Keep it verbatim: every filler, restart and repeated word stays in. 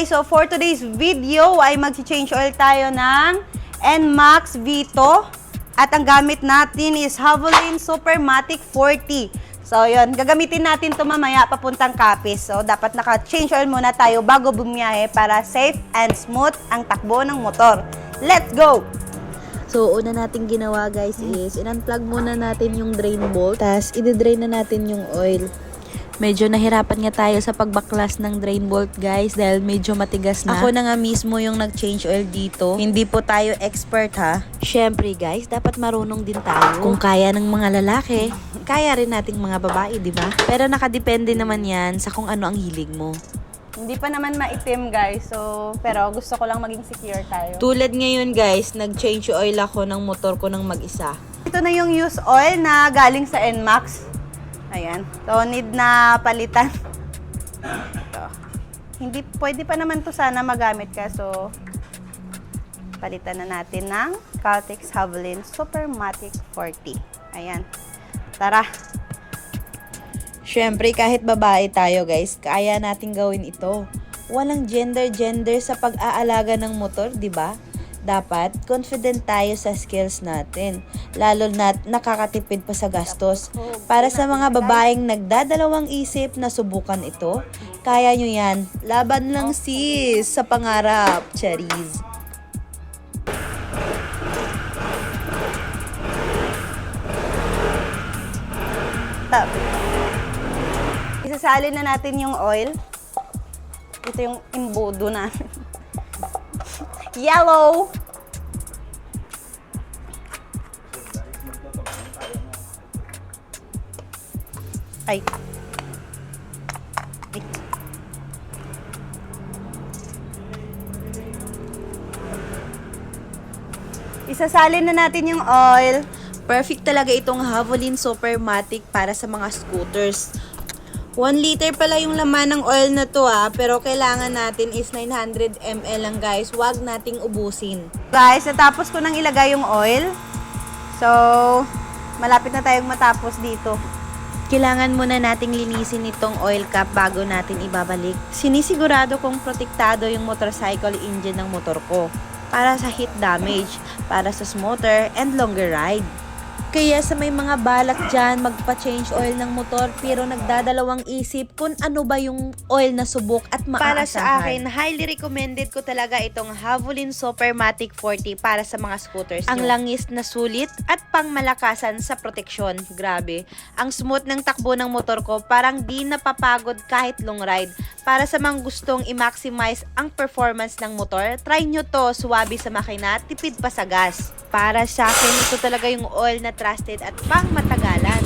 guys, so for today's video ay mag-change oil tayo ng N MAX Vito at ang gamit natin is Havoline Supermatic forty. So yun, gagamitin natin ito mamaya papuntang Capiz. So dapat naka-change oil muna tayo bago bumiyahe para safe and smooth ang takbo ng motor. Let's go! So, una nating ginawa guys is in-unplug muna natin yung drain bolt, tapos i-drain na natin yung oil. Medyo nahirapan nga tayo sa pagbaklas ng drain bolt guys dahil medyo matigas na. Ako na nga mismo yung nag-change oil dito. Hindi po tayo expert ha. Syempre guys, dapat marunong din tayo. Kung kaya ng mga lalaki, kaya rin nating mga babae, di ba? Pero nakadepende naman yan sa kung ano ang hilig mo. Hindi pa naman maitim guys, so pero gusto ko lang maging secure tayo. Tulad ngayon guys, nag-change oil ako ng motor ko ng mag-isa. Ito na yung used oil na galing sa N MAX. Ayan. So, need na palitan. Ito. Hindi, pwede pa naman to sana magamit ka. So, palitan na natin ng Caltex Havoline Supermatic forty. Ayan. Tara. Syempre, kahit babae tayo guys, kaya nating gawin ito. Walang gender-gender sa pag-aalaga ng motor, di ba? Dapat confident tayo sa skills natin, lalo na nakakatipid pa sa gastos. Para sa mga babaeng nagdadalawang isip na subukan ito, kaya nyo yan. Laban lang sis sa pangarap, Charis. Tap. Isasalin na natin yung oil. Ito yung imbudo natin. Yellow! Ay. Wait. Isasalin na natin yung oil. Perfect talaga itong Havoline Supermatic para sa mga scooters. one liter pala yung laman ng oil na to ah, pero kailangan natin is nine hundred milliliters lang guys. Huwag nating ubusin. Guys, natapos ko nang ilagay yung oil. So, malapit na tayong matapos dito. Kailangan muna nating linisin itong oil cap bago natin ibabalik. Sinisigurado kong protektado yung motorcycle engine ng motor ko para sa heat damage, para sa smoother and longer ride. Kaya sa may mga balak dyan magpa-change oil ng motor pero nagdadalawang isip kung ano ba yung oil na subok at maaasahan. Para sa akin, highly recommended ko talaga itong Havoline Supermatic forty para sa mga scooters Ang nyo. langis na sulit at pangmalakasan sa proteksyon. Grabe. Ang smooth ng takbo ng motor ko parang di napapagod kahit long ride. Para sa mga gustong i-maximize ang performance ng motor, try nyo to, suwabe sa makina, tipid pa sa gas. Para sa akin, ito talaga yung oil na trusted at pang matagalan.